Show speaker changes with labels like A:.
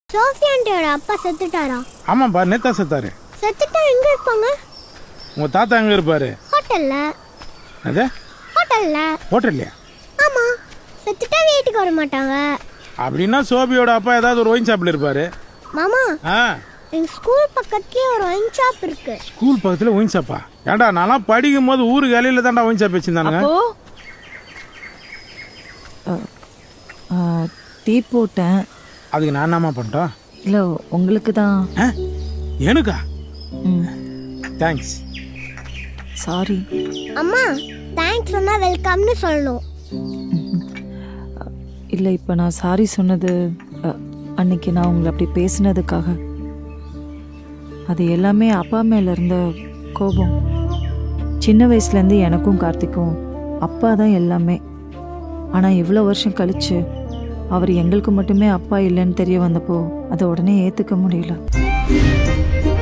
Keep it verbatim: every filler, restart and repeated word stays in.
A: சோஃபியாண்டியோட அப்பா செத்துட்டாரா?
B: ஆமாப்பா, நேத்தா செத்தாரு.
A: செத்துட்டா எங்க இருப்பாங்க?
B: உங்க தாத்தா எங்க இருப்பாரு?
A: ஹோட்டல்ல.
B: அது
A: ஹோட்டல்ல.
B: ஹோட்டல்லையா?
A: ஆமா, செத்துட்டா வீட்டுக்கு வர மாட்டாங்க.
B: அப்படின்னா சோபியோட அப்பா ஏதாவது ஒரு ஒயின் ஷாப்ல இருப்பாரு.
A: மாமா,
B: ஆ,
A: எங்க ஸ்கூல் பக்கத்துலயே ஒரு ஒயின் ஷாப் இருக்கு.
B: ஸ்கூல் பக்கத்துல ஒயின் ஷாப்பா? ஏன்டா நான்லாம் படிக்கும் போது ஊருக்கு இலையில தான்டா ஒயின் ஷாப் வச்சிருந்தானுங்க.
C: அப்போ டீ போட்டேன்.
B: அதுக்கு நான் என்னமா பண்ணிட்டோம்?
C: இல்லை, உங்களுக்கு தான்.
B: ஆ, எனக்கா?
C: ம்,
B: தேங்க்ஸ்.
C: சாரி.
A: அம்மா, தேங்க்ஸ் சொன்னா வெல்கம்னு சொல்லணும்.
C: இல்லை, இப்போ நான் சாரி சொன்னது அ, அன்னைக்கு நான் உங்களை அப்படி பேசினதுக்காக. அது எல்லாமே அப்பா மேல இருந்த கோபம். சின்ன வயசுலேருந்து எனக்கும் கார்த்திக்கும் அப்பா தான் எல்லாமே. ஆனால் இவ்வளோ வருஷம் கழிச்சு அவர் எங்களுக்கு மட்டுமே அப்பா இல்லைன்னு தெரிய வந்தப்போ அதை உடனே ஏற்றுக்க முடியல.